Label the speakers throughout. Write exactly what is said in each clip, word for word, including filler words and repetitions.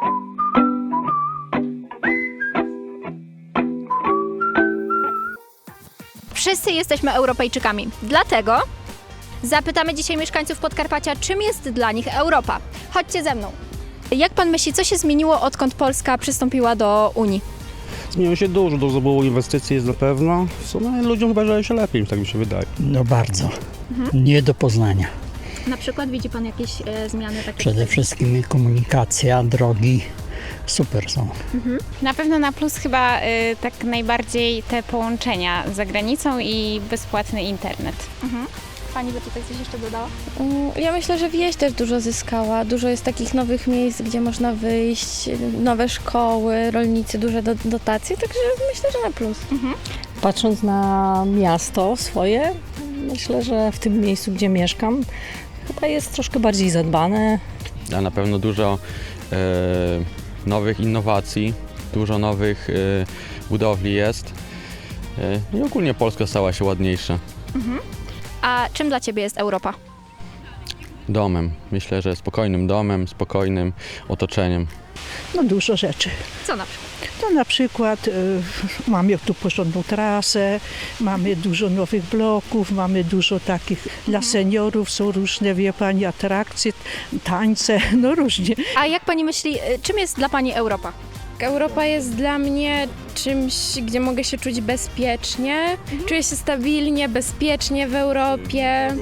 Speaker 1: Wszyscy jesteśmy Europejczykami, dlatego zapytamy dzisiaj mieszkańców Podkarpacia, czym jest dla nich Europa. Chodźcie ze mną. Jak pan myśli, co się zmieniło, odkąd Polska przystąpiła do Unii?
Speaker 2: Zmieniło się dużo, dużo było inwestycji jest na pewno. W sumie ludziom chyba żyje się lepiej, tak mi się wydaje.
Speaker 3: No bardzo. Nie do poznania.
Speaker 1: Na przykład widzi pan jakieś e, zmiany takie?
Speaker 3: Przede wszystkim komunikacja, drogi super są.
Speaker 4: Na pewno na plus chyba y, tak najbardziej te połączenia za granicą i bezpłatny internet.
Speaker 1: Mhm. Pani by tutaj coś jeszcze dodała?
Speaker 5: Mm, Ja myślę, że wieś też dużo zyskała. Dużo jest takich nowych miejsc, gdzie można wyjść, nowe szkoły, rolnicy, duże do, dotacje, także myślę, że na plus.
Speaker 6: Patrząc na miasto swoje, myślę, że w tym miejscu, gdzie mieszkam, chyba jest troszkę bardziej zadbane.
Speaker 7: A na pewno dużo e, nowych innowacji, dużo nowych e, budowli jest e, i ogólnie Polska stała się ładniejsza.
Speaker 1: A czym dla ciebie jest Europa?
Speaker 7: Domem, myślę, że spokojnym domem, spokojnym otoczeniem.
Speaker 8: No dużo rzeczy.
Speaker 1: Co na przykład?
Speaker 8: To na przykład y, mamy tu porządną trasę, mamy dużo nowych bloków, mamy dużo takich dla seniorów, są różne, wie pani, atrakcje, tańce, no różnie.
Speaker 1: A jak pani myśli, e, czym jest dla pani Europa?
Speaker 5: Europa jest dla mnie czymś, gdzie mogę się czuć bezpiecznie. Czuję się stabilnie, bezpiecznie w Europie.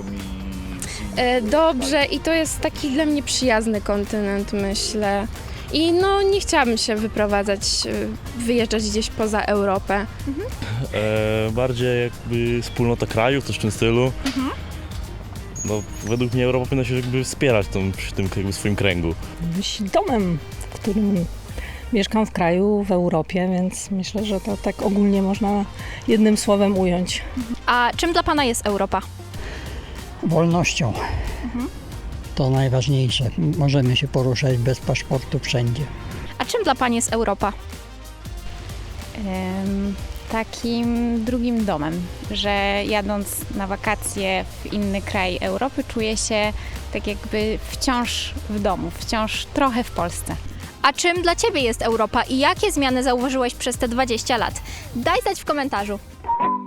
Speaker 5: E, Dobrze i to jest taki dla mnie przyjazny kontynent, myślę. I no nie chciałabym się wyprowadzać, e, wyjeżdżać gdzieś poza Europę.
Speaker 9: E, bardziej jakby wspólnota krajów, coś w tym stylu. No, według mnie Europa powinna się jakby wspierać tą, przy tym jakby swoim kręgu.
Speaker 6: Być domem, w którym mieszkam w kraju, w Europie, więc myślę, że to tak ogólnie można jednym słowem ująć.
Speaker 1: A czym dla pana jest Europa?
Speaker 3: Wolnością. To najważniejsze. Możemy się poruszać bez paszportu wszędzie.
Speaker 1: A czym dla pani jest Europa?
Speaker 4: Ym, takim drugim domem, że jadąc na wakacje w inny kraj Europy czuję się tak jakby wciąż w domu, wciąż trochę w Polsce.
Speaker 1: A czym dla ciebie jest Europa i jakie zmiany zauważyłeś przez te dwadzieścia lat? Daj znać w komentarzu.